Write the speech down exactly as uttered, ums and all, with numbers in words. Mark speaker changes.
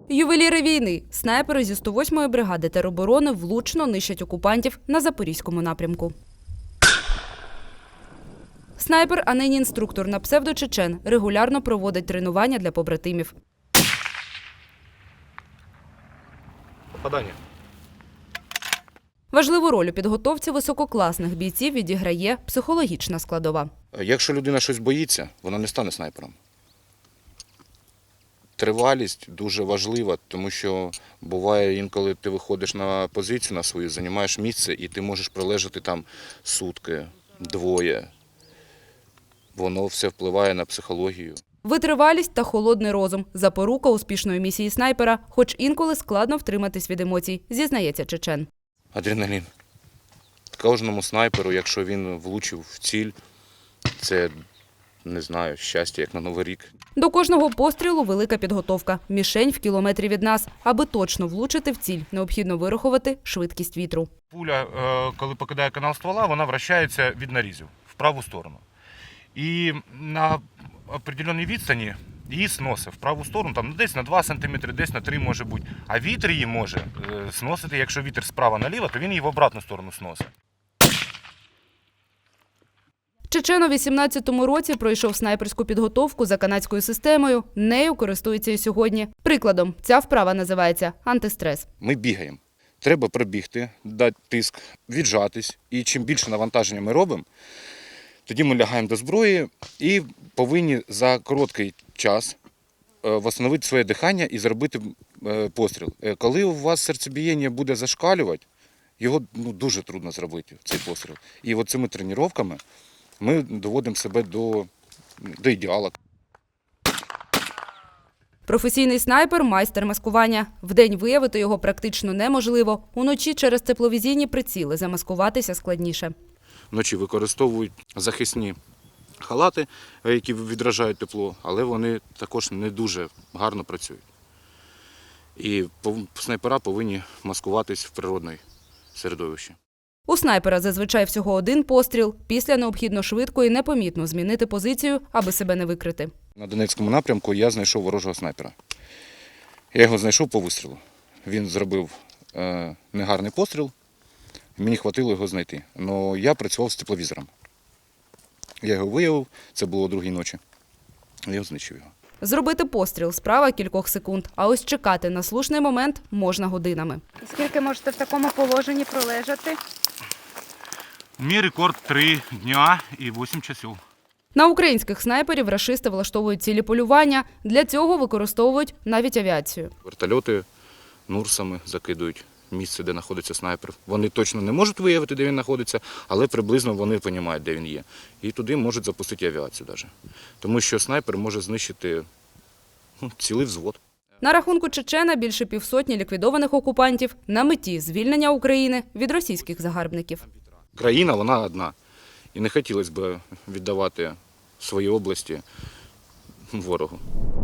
Speaker 1: Ювеліри війни. Снайпери зі сто восьмої бригади тероборони влучно нищать окупантів на Запорізькому напрямку. Снайпер, а нині інструктор на псевдо Чечен, регулярно проводить тренування для побратимів.
Speaker 2: Попадання.
Speaker 1: Важливу роль у підготовці висококласних бійців відіграє психологічна складова.
Speaker 2: Якщо людина щось боїться, вона не стане снайпером. Тривалість дуже важлива, тому що буває інколи ти виходиш на позицію на свою, займаєш місце і ти можеш пролежати там сутки, двоє. Воно все впливає на психологію.
Speaker 1: Витривалість та холодний розум – запорука успішної місії снайпера, хоч інколи складно втриматись від емоцій, зізнається Чечен.
Speaker 2: Адреналін. Кожному снайперу, якщо він влучив в ціль, це, не знаю, щастя, як на Новий рік.
Speaker 1: До кожного пострілу велика підготовка. Мішень в кілометрі від нас. Аби точно влучити в ціль, необхідно вирахувати швидкість вітру.
Speaker 3: Пуля, коли покидає канал ствола, вона вращається від нарізів в праву сторону. І на определеній відстані її сносить в праву сторону, там десь на два сантиметри, десь на три може бути. А вітер її може сносити, якщо вітер справа наліво, то він її в обратну сторону сносить.
Speaker 1: Чечен у вісімнадцятому році пройшов снайперську підготовку за канадською системою. Нею користується і сьогодні. Прикладом, ця вправа називається антистрес.
Speaker 2: Ми бігаємо. Треба пробігти, дати тиск, віджатись. І чим більше навантаження ми робимо, тоді ми лягаємо до зброї і повинні за короткий час відновити своє дихання і зробити постріл. Коли у вас серцебієння буде зашкалювати, його ну, дуже трудно зробити, цей постріл. І от цими тренуваннями ми доводимо себе до, до ідеалу.
Speaker 1: Професійний снайпер – майстер маскування. Вдень виявити його практично неможливо. Уночі через тепловізійні приціли замаскуватися складніше.
Speaker 2: Вночі використовують захисні халати, які відражають тепло, але вони також не дуже гарно працюють. І снайпера повинні маскуватись в природному середовищі.
Speaker 1: У снайпера зазвичай всього один постріл. Після необхідно швидко і непомітно змінити позицію, аби себе не викрити.
Speaker 2: На Донецькому напрямку я знайшов ворожого снайпера. Я його знайшов по вистрілу. Він зробив е, негарний постріл, мені хватило його знайти. Але я працював з тепловізором. Я його виявив, це було о другій ночі. Я знищив його.
Speaker 1: Зробити постріл – справа кількох секунд, а ось чекати на слушний момент можна годинами.
Speaker 4: Скільки можете в такому положенні пролежати?
Speaker 3: Мій рекорд три дня і вісім часів.
Speaker 1: На українських снайперів рашисти влаштовують цілі полювання. Для цього використовують навіть авіацію.
Speaker 2: Вертольоти нурсами закидують місце, де знаходиться снайпер. Вони точно не можуть виявити, де він знаходиться, але приблизно вони розуміють, де він є. І туди можуть запустити авіацію навіть. Тому що снайпер може знищити ну, цілий взвод.
Speaker 1: На рахунку Чечена більше півсотні ліквідованих окупантів на меті звільнення України від російських загарбників.
Speaker 2: Країна, вона одна. І не хотілося б віддавати свої області ворогу.